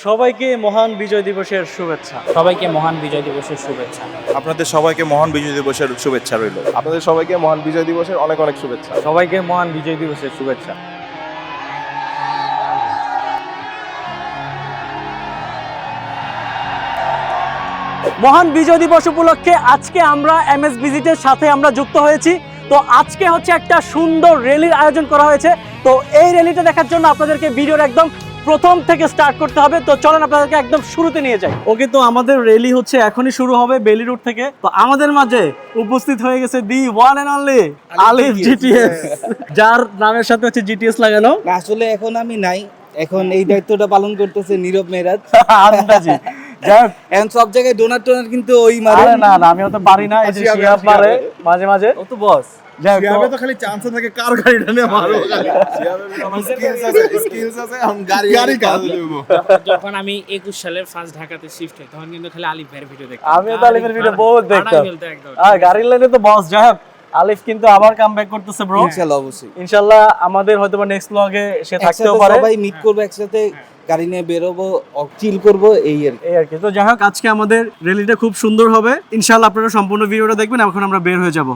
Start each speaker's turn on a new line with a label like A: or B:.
A: সবাইকে মহান বিজয় দিবসের শুভেচ্ছা।
B: সবাইকে মহান বিজয় দিবসের শুভেচ্ছা।
C: আপনাদের সবাইকে মহান বিজয় দিবসের শুভেচ্ছা রইল।
D: আপনাদের সবাইকে মহান বিজয় দিবসের অনেক অনেক শুভেচ্ছা।
A: সবাইকে মহান বিজয় দিবসের শুভেচ্ছা। মহান বিজয় দিবস উপলক্ষে আজকে আমরা এমএস ভিজিটের সাথে আমরা যুক্ত হয়েছি। তো আজকে হচ্ছে একটা সুন্দর র্যালির আয়োজন করা হয়েছে। তো এই র্যালিটা দেখার জন্য আপনাদেরকে ভিডিওর একদম প্রথম থেকে স্টার্ট করতে হবে। তো চলেন আপনাদেরকে একদম শুরুতে নিয়ে যাই। ওকে, তো আমাদের র্যালি হচ্ছে এখনই শুরু হবে বেলি রোড থেকে। তো আমাদের মাঝে উপস্থিত হয়ে গেছে the one and only Alif GTS, যার নামের সাথে হচ্ছে জিটিএস লাগানো।
E: আসলে এখন আমি নাই, এখন এই দায়িত্বটা পালন করতেছে নীরব মেরাজ।
A: আন্দাজি যাক,
E: এখন সব জায়গায় ডোনার কিন্তু ওই মারে।
A: আরে না না, আমি তো পারি না, এই যে শিহাব মারে মাঝে মাঝে। ও তো বস। যাক,
D: শিহাবে তো খালি চান্স থাকে কার গাড়িটা নিয়ে মারো খালি। শিহাবে আমার স্কিলস আছে আমি গাড়ি কাজ দেব।
B: যখন আমি 21 সালের ফার্স্ট ঢাকাতে শিফট হই তখন কিন্তু খালি আলিফ ভাইয়ের ভিডিও দেখতাম।
A: আমিও তো আলিফের ভিডিও বহুত দেখতাম। আর গাড়ির লাইনে তো বস। যাই হোক, আলিফ কিন্তু আবার কামব্যাক করতেছে ব্রো।
E: ইনশাআল্লাহ অবশ্যই।
A: ইনশাআল্লাহ আমাদের হয়তোবা নেক্সট ব্লগে সে থাকতেও
E: একসাথে
A: পারে।
E: সবাই মিট করব, একসাথে গাড়ি নিয়ে বেরোবো, চিল করবো, এই আর কি।
A: এই আর কি। তো যাই হোক, আজকে আমাদের র্যালিটা খুব সুন্দর হবে ইনশাআল্লাহ। আপনারা সম্পূর্ণ ভিডিওটা দেখবেন। এখন আমরা বের হয়ে যাব।